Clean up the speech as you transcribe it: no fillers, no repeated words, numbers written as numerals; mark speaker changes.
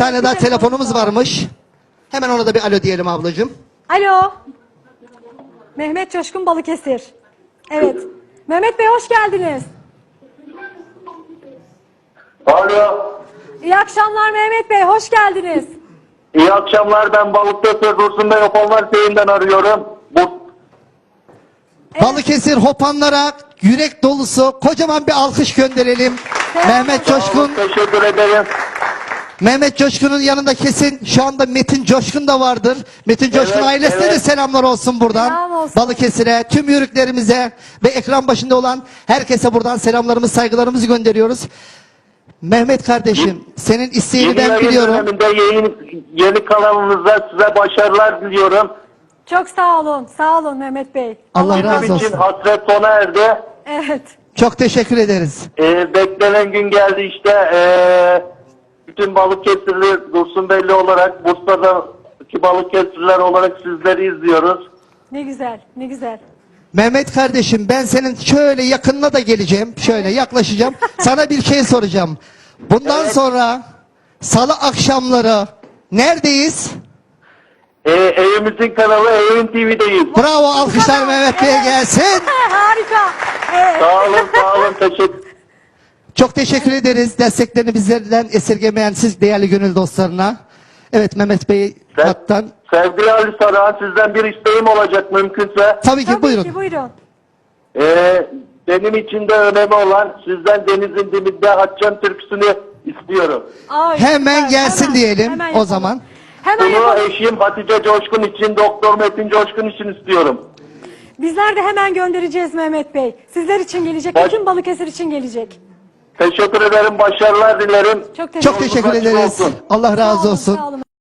Speaker 1: tane daha telefonumuz
Speaker 2: var.
Speaker 1: varmış. Hemen ona da bir alo diyelim ablacığım.
Speaker 2: Alo. Mehmet Coşkun Balıkesir. Evet. Mehmet Bey hoş geldiniz.
Speaker 3: Alo.
Speaker 2: İyi akşamlar Mehmet Bey, hoş geldiniz.
Speaker 3: İyi akşamlar, ben Balıkesir Dursun Bey Hopanlar Köyü'nden arıyorum.
Speaker 1: Balıkesir Hopanlara yürek dolusu kocaman bir alkış gönderelim. Mehmet Coşkun.
Speaker 3: Teşekkür ederim.
Speaker 1: Mehmet Coşkun'un yanında kesin şu anda Metin Coşkun da vardır. Metin Coşkun
Speaker 3: Evet,
Speaker 1: ailesine de
Speaker 3: evet.
Speaker 1: selamlar olsun buradan.
Speaker 2: Selam olsun.
Speaker 1: Balıkesir'e, tüm yörüklerimize ve ekran başında olan herkese buradan selamlarımız, saygılarımızı gönderiyoruz. Mehmet kardeşim, senin isteğini
Speaker 3: Yeni
Speaker 1: ben
Speaker 3: yayın
Speaker 1: biliyorum.
Speaker 3: döneminde yeni kanalınızda size başarılar diliyorum.
Speaker 2: Çok sağ olun Mehmet Bey.
Speaker 1: Allah razı
Speaker 3: Bizim için
Speaker 1: olsun.
Speaker 3: hasret sona erdi.
Speaker 2: Evet.
Speaker 1: Çok teşekkür ederiz.
Speaker 3: Beklenen gün geldi işte. Bütün Balıkesirli Dursun Beyli olarak, Bursa'daki Balıkesirliler olarak sizleri izliyoruz.
Speaker 2: Ne güzel, ne güzel.
Speaker 1: Mehmet kardeşim, ben senin şöyle yakınına da geleceğim. Şöyle yaklaşacağım. Sana bir şey soracağım. Bundan sonra salı akşamları neredeyiz?
Speaker 3: Evimizin kanalı Evin TV'deyiz.
Speaker 1: Bravo, alkışlar Mehmet Bey'e gelsin.
Speaker 2: Harika. Evet.
Speaker 3: Sağ olun, teşekkür.
Speaker 1: Çok teşekkür ederiz desteklerini bizlerden esirgemeyen siz değerli gönül dostlarına. Evet, Mehmet Bey hattan.
Speaker 3: Sevgili Ali Saran, sizden bir isteğim olacak mümkünse.
Speaker 1: Tabii ki,
Speaker 2: Tabii
Speaker 1: buyurun.
Speaker 2: ki, buyurun.
Speaker 3: Benim için de önemli olan sizden Denizin Dibinde Açacağım türküsünü istiyorum.
Speaker 2: Ay,
Speaker 1: Hemen
Speaker 2: süper.
Speaker 1: gelsin
Speaker 2: Hemen,
Speaker 1: diyelim
Speaker 2: hemen
Speaker 1: o
Speaker 2: yapalım.
Speaker 1: zaman.
Speaker 2: Hemen
Speaker 3: Bunu
Speaker 2: yapalım.
Speaker 3: eşim Hatice Coşkun için, Doktor Metin Coşkun için istiyorum.
Speaker 2: Bizler de hemen göndereceğiz Mehmet Bey. Sizler için gelecek, bütün Balıkesir için gelecek.
Speaker 3: Teşekkür ederim, başarılar dilerim.
Speaker 2: Çok
Speaker 1: Çok teşekkür
Speaker 3: Yolunuz açık
Speaker 1: ederiz.
Speaker 3: olsun.
Speaker 1: Allah razı olsun.
Speaker 2: Sağ olun